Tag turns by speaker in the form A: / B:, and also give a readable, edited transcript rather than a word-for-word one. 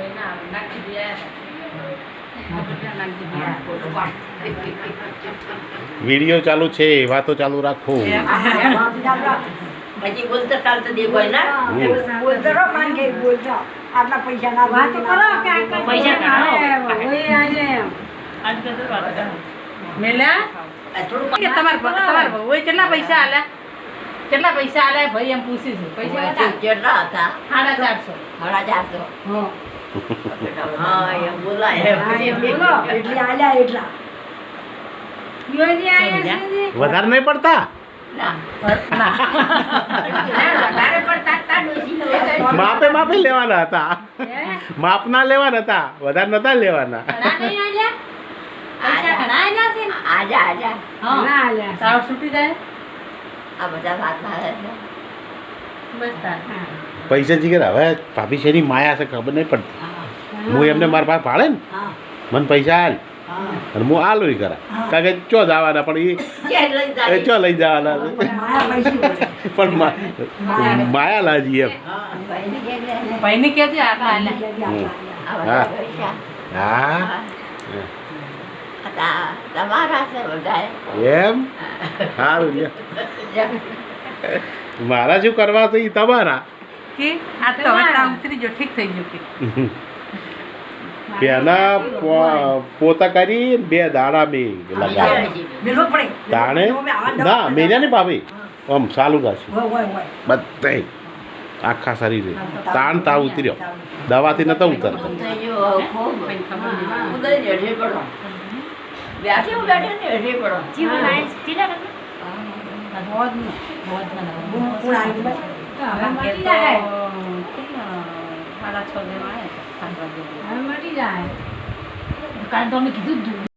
A: video ચાલુ છે વાતો ચાલુ રાખો
B: હજી બોલતો ચાલતો દે કોઈ ના
C: બોલતો રહો માન કે બોલતો આટલા પૈસા ના વાત કરો કે આટલા
B: પૈસા કાઢો
C: ઓય આજે
D: આજ તો વાત કરો મેલા
B: થોડું
D: કે તમાર ઓય કેટલા પૈસા આલ્યા ભાઈ એમ પૂછી છું પૈસા
B: કેટલા હતા
D: 450
B: હા એમ બોલાય
C: બોલો એટલી આલ્યા એટલા યોજી આયા છે
A: વધારે નહીં પડતા
B: ના
D: વધારે પડતા તા ડોસી
A: માપે લેવાના હતા માપના લેવાના હતા વધારે નતા લેવાના
D: ઘણા નહીં આલ્યા પૈસા ઘણા આલ્યા છે
B: આજા આજા
C: ના આલ્યા
D: સાવ છૂટી જાય
B: આ બધા વાત ના
D: બસ તાર
A: પૈસા જીગર હવે ભાભી શેની માયા છે ખબર નહીં પડતી હું એમને મારા પાસે ભાડે ને
C: હા
A: મને પૈસા હાલ અને હું આલું કરા કારણ કે ચો જવાના પણ એ ચો લઈ જવાના છે
C: માયા પૈસી બોલે
A: પણ માયા લાજી એમ
D: ભાઈને કેજે આટલા આલ્યા
A: હા
B: તમારા છે બધા
A: એમ સારું લ્યો મારા શું કરવા તો એ તમારા
D: કે આ તો હવે તા ઉતરી જો ઠીક થઈ ગયું કે
A: પેલા પોતા કરી 2 દાડા મેં લગાવ્યા
C: મેલો પડે
A: તાણે ના મેલ્યા ને ભાભી આમ ચાલુ રાખ્યું
C: હોય
A: બધે આખા શરીરે તાણ તાવ ઉતર્યો દવાથી નતો ઉતરતો
C: કોણ આવી બસ મટી જાય હવે મટી જાય
D: કાલ તો અમે કીધું જ